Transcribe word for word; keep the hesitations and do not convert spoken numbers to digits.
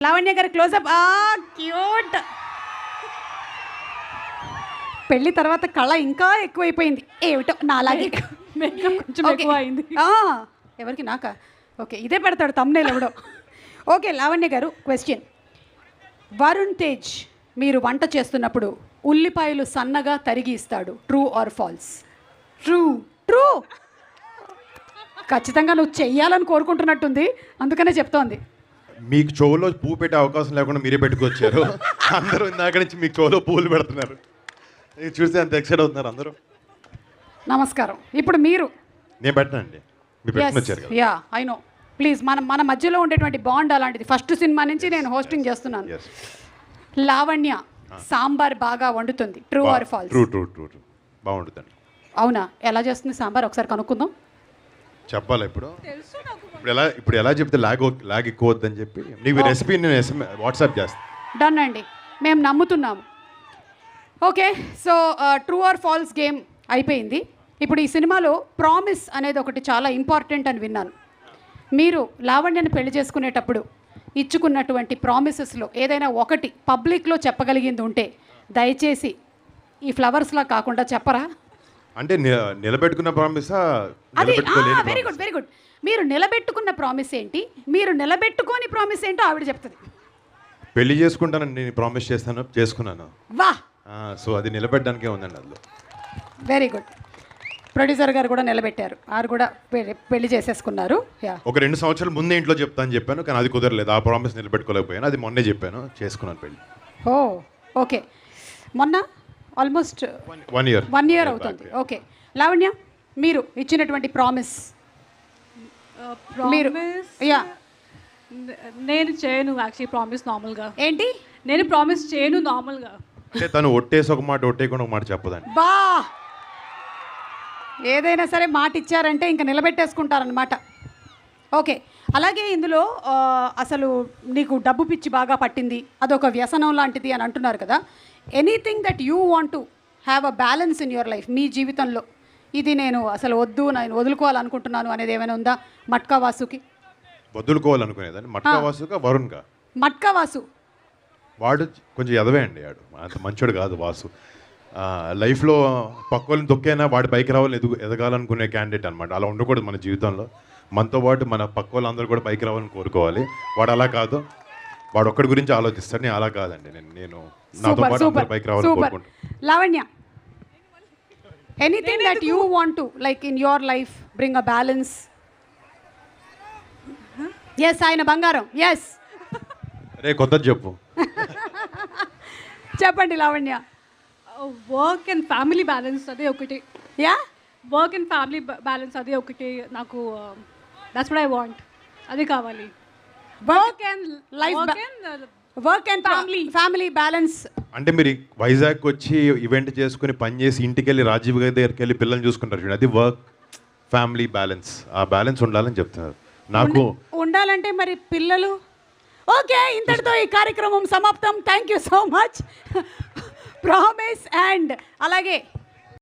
లావణ్య గారి క్లోజప్. ఆ క్యూట్. పెళ్లి తర్వాత కళ ఇంకా ఎక్కువైపోయింది ఏమిటో నాలాగే. కొంచెం ఎక్కువ అయింది. ఎవరికి నాకా? ఓకే, ఇదే పెడతాడు తమ్నేల్ ఎవడో. ఓకే లావణ్య గారు, క్వశ్చన్. వరుణ్ తేజ్ మీరు వంట చేస్తున్నప్పుడు ఉల్లిపాయలు సన్నగా తరిగి ఇస్తాడు, true or false? True. True. ఖచ్చితంగా నువ్వు చెయ్యాలని కోరుకుంటున్నట్టుంది, అందుకనే చెప్తోంది. మీకు చెవులో పువ్వు పెట్టే అవకాశం లేకుండా మీరే పెట్టుకొచ్చారు. అందరూ ఇందాక నుంచి మీకు చెవులో పువ్వులు పెడుతున్నారు. ఇది చూస్తే అంత ఎక్సైట్ అవుతున్నారు అందరూ. నమస్కారం. ఇప్పుడు మీరు. నేను పెట్టనండి, మీరు పెట్టుకొచ్చారు కదా. Yeah I know. ప్లీజ్, మన మన మధ్యలో ఉండేటువంటి బాండ్ అలాంటిది. ఫస్ట్ సినిమా నుంచి నేను హోస్టింగ్ చేస్తున్నాను. Yes. లావణ్య సాంబార్ బాగా వండుతుంది, true or false? True true true true బాగుంటుందండి. అవునా? ఎలా చేస్తుంది సాంబార్ ఒకసారి కనుక్కుందాం. చెప్పాలా ఇప్పుడు? ఇప్పుడు ఎలా ఇప్పుడు ఎలా చెప్తే లాగ్ లాగ్ ఎక్కువ వద్దని చెప్పి నీకు రెసిపీ నేను ఎస్ఎం వాట్సాప్ చేస్తాను. డన్ అండి, మేము నమ్ముతున్నాము. Okay, so true or false game అయిపోయింది. ఇప్పుడు ఈ సినిమాలో ప్రామిస్ అనేది ఒకటి చాలా ఇంపార్టెంట్ అని విన్నాను. మీరు లావణ్యను పెళ్లి చేసుకునేటప్పుడు ఇచ్చుకున్నటువంటి ప్రామిసెస్లో ఏదైనా ఒకటి పబ్లిక్లో చెప్పగలిగింది ఉంటే దయచేసి ఈ ఫ్లవర్స్లా కాకుండా చెప్పరా? అంటే నిలబెట్టుకున్న ప్రామిసా? అది వెరీ గుడ్ వెరీ గుడ్. మీరు నిలబెట్టుకున్న ప్రామిస్ ఏంటి, మీరు నిలబెట్టుకోని ప్రామిస్ ఏంటో ఆవిడ చెప్తుంది. పెళ్లి చేసుకుంటానని నేను ప్రామిస్ చేస్తాను, చేసుకున్నాను. వా. సో అది నిలబెట్టడానికే ఉందండి అందులో. Very good. ప్రొడ్యూసర్ గారు కూడా నిలబెట్టారు, వారు కూడా పెళ్లి చేసేసుకున్నారు. యా, ఒక రెండు సంవత్సరాల ముందే ఇంట్లో చెప్తాను చెప్పాను, కానీ అది కుదరలేదు. ఆ ప్రామిస్ నిలబెట్టుకోలేకపోయాను. అది మొన్నే చెప్పాను, చేసుకున్నాను పెళ్లి. Oh okay. మొన్న almost one year one year అవుతుంది. ఓకే లావణ్య, మీరు ఇచ్చినటువంటి ప్రామిస్ మీరు. యా, నేను చేయను యాక్చువల్లీ ప్రామిస్ నార్మల్గా. ఏంటి? నేను ప్రామిస్ చేయను నార్మల్గా. అంటే తను ఒట్టేసి ఒక మాట ఒట్టేయకుండా ఒక మాట చెప్పదండి. బా, ఏదైనా సరే మాట ఇచ్చారంటే ఇంకా నిలబెట్టేసుకుంటారనమాట. ఓకే, అలాగే ఇందులో అసలు నీకు డబ్బు పిచ్చి బాగా పట్టింది, అదొక వ్యసనం లాంటిది అని అంటున్నారు కదా. Anything that you want to have a balance in your life, మీ జీవితంలో ఇది నేను అసలు వద్దు, నేను వదులుకోవాలనుకుంటున్నాను అనేది ఏమైనా ఉందా? మట్కా వాసుకి వదులుకోవాలనుకునేదాన్ని. మట్కా వాసుగా వరుణ్గా? మట్కా వాసు వాడు కొంచెం ఎదవే అండి, వాడు అంత మంచోడు కాదు వాసు. లైఫ్లో పక్క వాళ్ళని తొక్కైనా వాడి పైకి రావాలని ఎదుగు ఎదగాలనుకునే క్యాండిడేట్ అనమాట. అలా ఉండకూడదు మన జీవితంలో. మనతో పాటు మన పక్క వాళ్ళందరూ కూడా పైకి రావాలని కోరుకోవాలి. వాడు అలా కాదు, వాడు ఒక్కడి గురించి ఆలోచిస్తాడు. నేను అలా కాదండి, నేను నేను నాతో పాటు అందరూ పైకి రావాలని కోరుకుంటాను. Lavanya, anything that you want to like in your life bring a balance. Yes, ఆయన బంగారం. ఎస్, రే కొత్తది చెప్పు. చెప్పండి Lavanya. Work and family balance అదే ఒకటి. Yeah, work and family balance అదే ఒకటి నాకు. దట్స్ వాట్ ఐ వాంట్, అది కావాలి. Work and life, work and family family balance. అంటే మీరు వైజాగ్ వచ్చి ఈవెంట్ చేసుకుని పని చేసి ఇంటికి వెళ్ళి రాజీవ్ గారి దగ్గరికి వెళ్ళి పిల్లల్ని చూసుకుంటారు చూడండి, అది వర్క్ ఫ్యామిలీ బ్యాలెన్స్. ఆ బ్యాలెన్స్ ఉండాలని చెప్తున్నారు నాకు. ఉండాలంటే మరి పిల్లలు. ఓకే, ఇంతటితో ఈ కార్యక్రమం సమాప్తం. Thank you so much. Promise and అలాగే